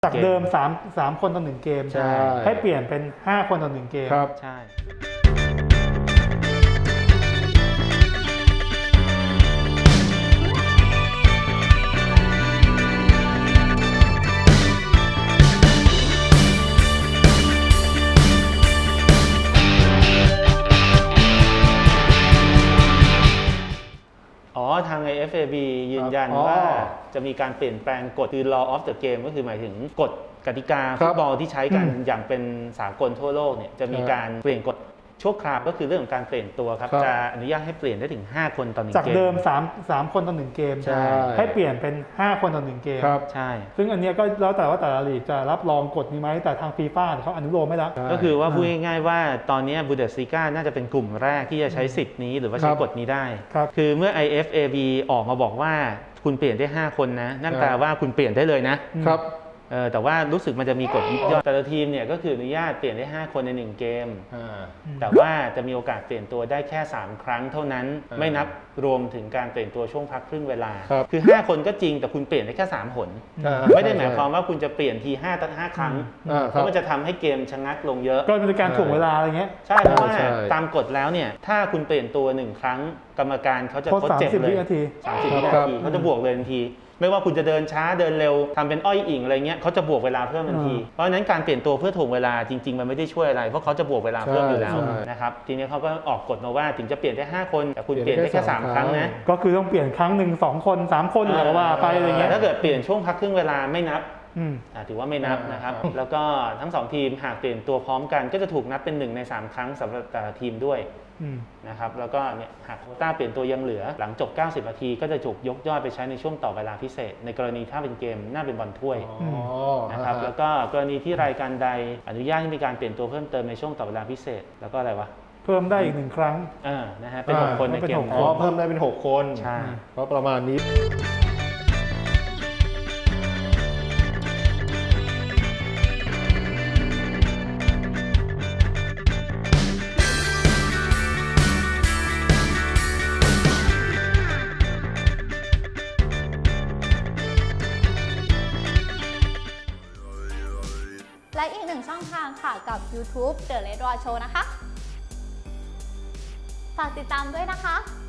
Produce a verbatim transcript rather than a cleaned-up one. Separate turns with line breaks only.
จากเดิม3 3คนต่อหนึ่งเกม
ใช่
ให้เปลี่ยนเป็นห้าคนต่อหนึ่งเกม
ครับ
ใช่อ๋อทาง ไอ เอฟ เอ บี ยืนยัน
อ๋อ
ว่าจะมีการเปลี่ยนแปลงกฎคือ law of the game ก็คือหมายถึงกฎกติกาฟุตบอลที่ใช้กันอย่างเป็นสากลทั่วโลกเนี่ยจะมีการเปลี่ยนกฎชั่วคราวก็คือเรื่องของการเปลี่ยนตัวครับจะอนุญาตให้เปลี่ยนได้ถึงห้าคนต่อหนึ่งเกม
จากเดิม3 3คนต่อหนึ่งเกม
ใช่
ให้เปลี่ยนเป็นห้าคนต่อหนึ่งเกม
ครับ
ใช่
ซึ่งอันเนี้ยก็แล้วแต่ว่าแต่ละลีกจะรับรองกฎนี้ไหมแต่ทางฟีฟ่าเขาอนุโลมไม่แล้ว
ก็คือว่าพูดง่ายๆว่าตอนนี้บูเดสลีกาน่าจะเป็นกลุ่มแรกที่จะใช้สิทธิ์นี้หรือว่าใช้กฎนี้ได้
ครับ
คือเมื่อ ไอ เอฟ เอ บี ออกมาบอกว่าคุณเปลี่ยนได้ห้าคนนะนั่นแปลว่าคุณเปลี่ยนได้เลยนะครับ เออแต่ว่ารู้สึกมันจะมีกฎยิบย่อยแต่ละทีมเนี่ยก็คืออนุญาตเปลี่ยนได้ห้าคนในหนึ่งเกม
อ่า
แต่ว่าจะมีโอกาสเปลี่ยนตัวได้แค่สามครั้งเท่านั้น
อ่า
ไม่นับรวมถึงการเปลี่ยนตัวช่วงพักครึ่งเวลา
ครับ
คือห้าคนก็จริงแต่คุณเปลี่ยนได้แค่สามหน
อ่า
ไม่ได้หมายความว่าคุณจะเปลี่ยนทีห้าตั้งห้าครั้ง
อ่า
เพ
ครับ
ราะมันจะทำให้เกมชะงักลงเยอะ
ก็เป็นการถ่วงเวลาอะไรเงี้ย
ใช่เพราะว่า
ใช่
ตามกฎแล้วเนี่ยถ้าคุณเปลี่ยนตัวหนึ่งครั้งกรรมการเขาจะ
โทษ
ทดเจ็บ
สามสิบ
เลย
วินาที
สามสิบวิ
ครั
นา
บ
ทีเขาจะบวกเลยทันที ไม่ว่าคุณจะเดินช้าเดินเร็วทำเป็นอ้อยอิงอะไรเงี้ยเขาจะบวกเวลาเพิ่มทันที เพราะฉะนั้นการเปลี่ยนตัวเพื่อถ่วงเวลาจริงๆมันไม่ได้ช่วยอะไรเพราะเขาจะบวกเวลาเพิ่มอยู่แล้ว
ใช่
นะครับทีนี้เขาก็ออกกฎมาว่าถึงจะเปลี่ยนได้ห้าคนแต่คุณเปลี่ยนได้
เปลี่ยนได้
แค่สาม
แค่
ครั้ง
สาม
นะ
ก็คือต้องเปลี่ยนครั้งหนึ่งสองคนสามคนหรือว่าไปอะไรเงี้ย
แต่ถ้าเกิดเปลี่ยนช่วงพักครึ่งเวลาไม่นับ
อืม
อ่าถือว่าไม่นับนะครับ
อ่า
แล้วก็ทั้งสองทีมหากเปลี่ยนตัวพร้อมกันก็จะถูกนับเป็นหนึ่งในสามครั้งสำหรับแต่ละทีมด้วย
อืม
นะครับแล้วก็เนี่ยหากโควต้าเปลี่ยนตัวยังเหลือหลังจบเก้าสิบนาทีก็จะถูกยกยอดไปใช้ในช่วงต่อเวลาพิเศษ ในกรณีถ้าเป็นเกมน่าเป็นบอลถ้วย
อ๋อ
นะครับ
อ่า
แล้วก็กรณีที่รายการใดอนุญาตให้มีการเปลี่ยนตัวเพิ่มเติมในช่วงต่อเวลาพิเศษ แล้วก็อะไรวะ
เพิ่มได้อีกหนึ่งครั้ง
อ่านะฮะเป็นหก
อ่า
คนในเกม
เป็นหก
อ๋อเพิ่มได้เป็นหกคน
ใช่
ก็ประมาณนี้
และอีกหนึ่งช่องทางค่ะกับ ยูทูบ The Red Raw Show นะคะ ฝากติดตามด้วยนะคะ